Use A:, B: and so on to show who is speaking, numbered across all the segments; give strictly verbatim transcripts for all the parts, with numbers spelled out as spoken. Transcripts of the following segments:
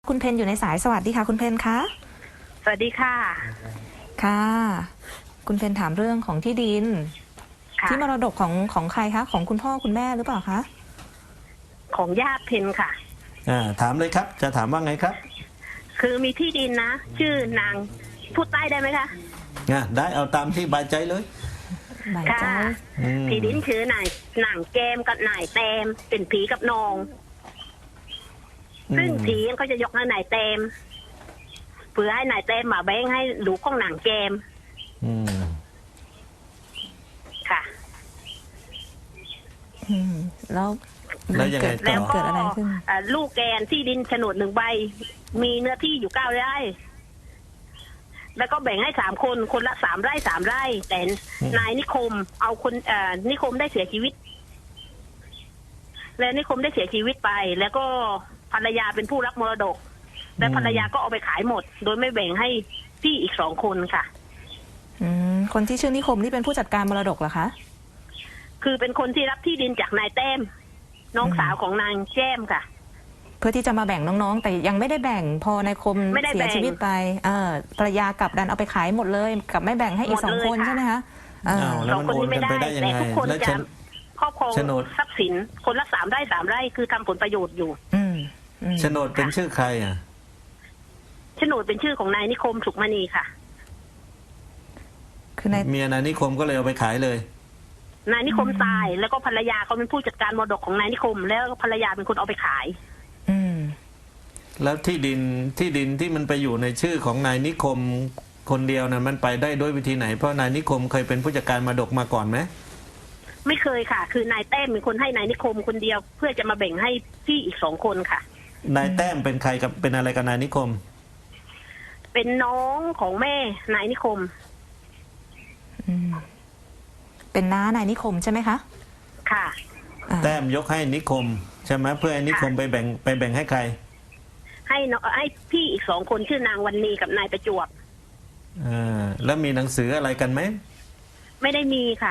A: คุณเพนอยู่ในสายสวัสดีค่ะคุณเพนคะ
B: สวัสดีค่ะ
A: ค่ะคุณเพนถามเรื่องของที่ดินที่มรดกของของใครคะของคุณพ่อคุณแม่หรือเปล่าคะ
B: ของญาติเพนค่ะ
C: อ่าถามเลยครับจะถามว่าไงครับ
B: คือมีที่ดินนะชื่อนางพูดใต้ได้ไหมคะ
C: อ่าได้เอาตามที่บายใจเลย
B: ค่ะที่ดินคือนายนางแกมกับนายแตมเป็นผีกับนองซึ่งผีก็จะยกให้นายแตมเพื่อให้นายแตมมาแบ่งให้ลูกของนางแกม
C: อืม
B: ค่ะ
A: อืมแล้ว
C: แล้วยังไงต่อ
A: เกิดอะไรขึ้น
B: ลูกแกนที่ดินโฉนดหนึ่งใบมีเนื้อที่อยู่เก้าไร่แล้วก็แบ่งให้สามคนคนละสามไร่สามไร่แต่นายนิคมเอาคนเอ่อนิคมได้เสียชีวิตและนิคมได้เสียชีวิตไปแล้วก็ภรรยาเป็นผู้รับมรดกและภรรยาก็เอาไปขายหมดโดยไม่แบ่งให้พี่อีกสองคนค่ะ
A: อืมคนที่ชื่อนิคมนี่เป็นผู้จัดการมรดกเหรอคะ
B: คือเป็นคนที่รับที่ดินจากนายแต้มน้องสาวของนางแจ้มค่ะ
A: เพื่อที่จะมาแบ่งน้องๆแต่ยังไม่ได้แบ่งพอนายคมเสียชีวิตไปเออภรรยากลับดันเอาไปขายหมดเลยกับไม่แบ่งให้อีกสองคนใช่ไหมคะ
C: แล้วมันโอนกันไปได้ยังไง
B: แล้วจะครอบครองทรัพย์สินคนละสามไร่สามไร่คือทำผลประโยชน์อยู่
A: อืม
C: โฉนดเป็นชื่อใครอ่ะ
B: โฉนดเป็นชื่อของนายนิคมสุขมณีค่ะ
A: คือนาย
C: เมียนายนิคมก็เลยเอาไปขายเลย
B: นายนิคมตายแล้วก็ภรรยาเขาเป็นผู้จัดการมรดกของนายนิคมแล้วภรรยาเป็นคนเอาไปขาย
A: อืม
C: แล้วที่ดินที่ดินที่มันไปอยู่ในชื่อของนายนิคมคนเดียวนะมันไปได้ด้วยวิธีไหนเพราะนายนิคมเคยเป็นผู้จัดการมรดกมาก่อนไหม
B: ไม่เคยค่ะคือนายแต้มเป็นคนให้นายนิคมคนเดียวเพื่อจะมาแบ่งให้พี่อีกสองคนค่ะ
C: นายแต้มเป็นใครกับเป็นอะไรกับนายนิคม
B: เป็นน้องของแม่นายนิคม
A: อืมเป็นน้านายนิคมใช่ไหมคะ
B: ค่ะ
C: แต้มยกให้นิคมใช่ไหมเพื่อให้นิคมไปแบ่งไปแบ่งให้ใคร
B: ให้น้องให้พี่อีกสองคนชื่อนางวันนีกับนายประจวบ
C: อ่าแล้วมีหนังสืออะไรกันไหม
B: ไม่ได้มีค่ะ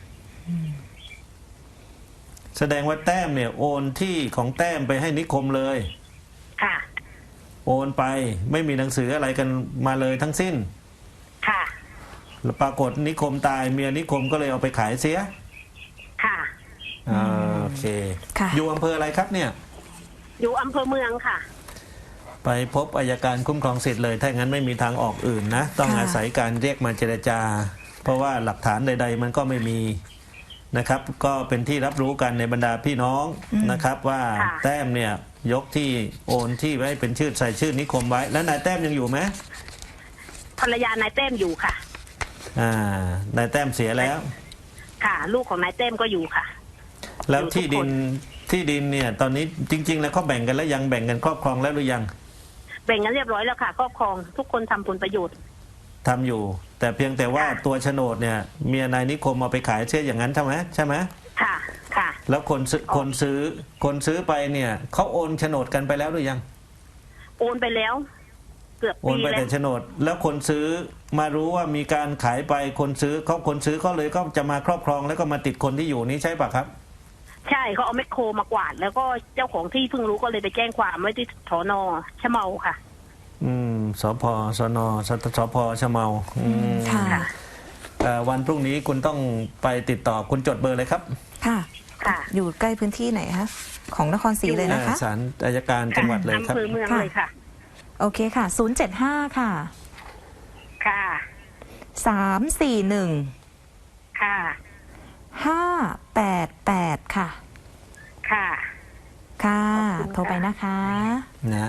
C: แสดงว่าแต้มเนี่ยโอนที่ของแต้มไปให้นิคมเลย
B: ค่ะ
C: โอนไปไม่มีหนังสืออะไรกันมาเลยทั้งสิ้น
B: ค่ะ
C: แล้วปรากฏนิคมตายเมียนิคมก็เลยเอาไปขายเสีย
B: ค่ะ
C: อ่าโอเคอยู่อำเภออะไรครับเนี่ย
B: อยู่อำเภอเมืองค่ะ
C: ไปพบอัยการคุ้มครองสิทธิ์เลยถ้างั้นไม่มีทางออกอื่นนะต้องอาศัยการเรียกมาเจรจาเพราะว่าหลักฐานใดๆมันก็ไม่มีนะครับก็เป็นที่รับรู้กันในบรรดาพี่น้องนะครับว่าแต้มเนี่ยยกที่โอนที่ไว้เป็นชื่อใส่ชื่อนิคมไว้แล้วนายแต้มยังอยู่ไหม
B: ภรรยานายแต้มอยู่ค่ะ
C: อ่านายแต้มเสียแล้ว
B: ค่ะลูกของนายแต้มก็อยู่ค่ะ
C: แล้วที่ดินที่ดินเนี่ยตอนนี้จริงๆแล้วเขาแบ่งกันแล้วยังแบ่งกันครอบครองแล้วหรือยัง
B: แบ่งกันเรียบร้อยแล้วค่ะครอบครองทุกคนทำผลประโยชน์
C: ทำอยู่แต่เพียงแต่ว่าตัวโฉนดเนี่ยเมียนายนิคมเอาไปขายเช่นอย่างนั้นใช่ไหมใช่ไหม
B: ค่ะค่ะ
C: แล้วคนซื้อคนซื้อคนซื้อไปเนี่ยเขาโอนโฉนดกันไปแล้วหรือยัง
B: โอนไปแล้วเกือบปีแล้วโอน
C: ไปแต่โฉนดแล้วคนซื้อมารู้ว่ามีการขายไปคนซื้อเขาคนซื้อก็เลยก็จะมาครอบครองแล้วก็มาติดคนที่อยู่นี้ใช่ปะครับ
B: ใช่เขาเอาแมคโครมากวาดแล้วก็เจ้าของที่เพิ่งรู้ก็เลยไปแจ้งความไว้ที่สน.ชะเมาค่ะ
C: อืมสพสนสสพชะเมาอืม
A: ค่ะ
C: วันพรุ่งนี้คุณต้องไปติดต่อคุณจดเบอร์เลยครับ
A: ค่ะค่ะอยู่ใกล้พื้นที่ไหนคะของนครศรีเลยนะคะ
C: ศาลอัยการจังหวัดเลยครับ
B: อำเภอเมืองเลยค่ะ
A: โอเคค่ะศูนย์เจ็ดห้าค่ะ
B: ค่ะ
A: สามสี่หนึ่ง
B: ค่ะ
A: ห้าแปดแปดค่ะ
B: ค่ะ
A: ค่ะโทรไปนะคะ
C: นะ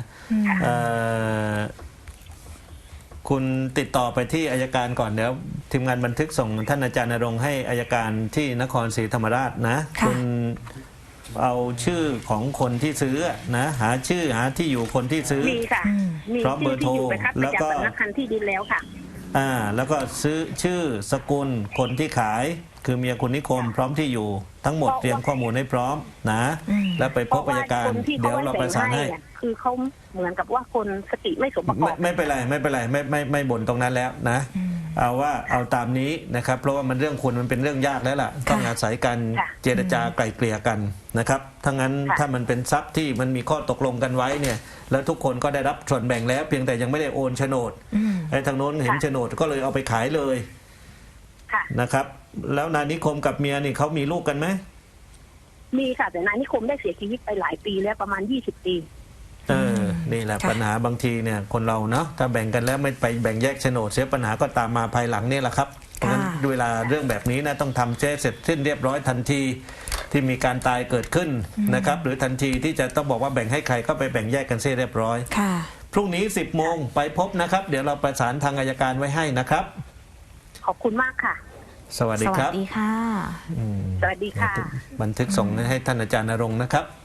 C: คุณติดต่อไปที่อัยการก่อนเดี๋ยวทีมงานบันทึกส่งท่านอาจารย์ณรงค์ให้อัยการที่นครศรีธรรมราชนะคุณเอาชื่อของคนที่ซื้อนะหาชื่อหาที่อยู่คนที่ซื้อ
B: มีค่ะมี
C: พร้อมเบอร์โทร
B: แล้วก็สำนักงานที่ดินแล้วค่ะ
C: อ่าแล้วก็ซื้อชื่อสกุลคนที่ขายคือเมียคุณนิคมพร้อมที่อยู่ทั้งหมดเตรียมข้อมูลให้พร้อมนะแล้วไปพบอัยการเดี๋ยวเราประสานให้
B: คือเขาเหมือนกับว่าคนสติไม่สมประกอบ
C: ไม่เป็นไรไม่เป็นไรไม่ไม่ไม่บ่นตรงนั้นแล้วนะเอาว่าเอาตามนี้นะครับเพราะว่ามันเรื่องคุณมันเป็นเรื่องยากแล้วล่ะต้องอาศัยการ
B: ค่ะ
C: เจรจาไกล่เกลี่ยกันนะครับถ้างั้น
B: ค่ะ
C: ถ้ามันเป็นทรัพย์ที่มันมีข้อตกลงกันไว้เนี่ยแล้วทุกคนก็ได้รับส่วนแบ่งแล้ว เพียงแต่ยังไม่ได้โอนโฉนด
A: อืม
C: ไอ้ทางโน้นเห็น
B: ค่ะ
C: โฉนดก็เลยเอาไปขายเลย
B: ค่ะ
C: นะครับแล้วนายนิคมกับเมียนี่เขามีลูกกันไหม
B: มีค่ะแต่นายนิคมได้เสียชีวิตไปหลายปีแล้วประมาณยี่สิบปี
C: เออนี่แหละ
A: ค่ะ
C: ปัญหาบางทีเนี่ยคนเราเนาะถ้าแบ่งกันแล้วไม่ไปแบ่งแยกโฉนดเสียปัญหาก็ตามมาภายหลังนี่แหละครับเพราะฉะนั้นเวลาเรื่องแบบนี้นะต้องทำเสร็จสิ้นเรียบร้อยทันทีที่มีการตายเกิดขึ้นนะครับหรือทันทีที่จะต้องบอกว่าแบ่งให้ใครก็ไปแบ่งแยกกันเสียเรียบร้อย
A: ค่ะ
C: พรุ่งนี้สิบโมงไปพบนะครับ เดี๋ยวเราประสานทางอัยการไว้ให้นะครับ
B: ขอบคุณมากค่ะ
C: สวัสดี
A: ส
C: ค
A: วั
C: รั
A: ส
C: บ
A: ดีค่ะ
C: อืม
B: สวัสดีค่ะ
C: บันทึกส่งให้ท่านอาจารย์ณรงค์นะครับ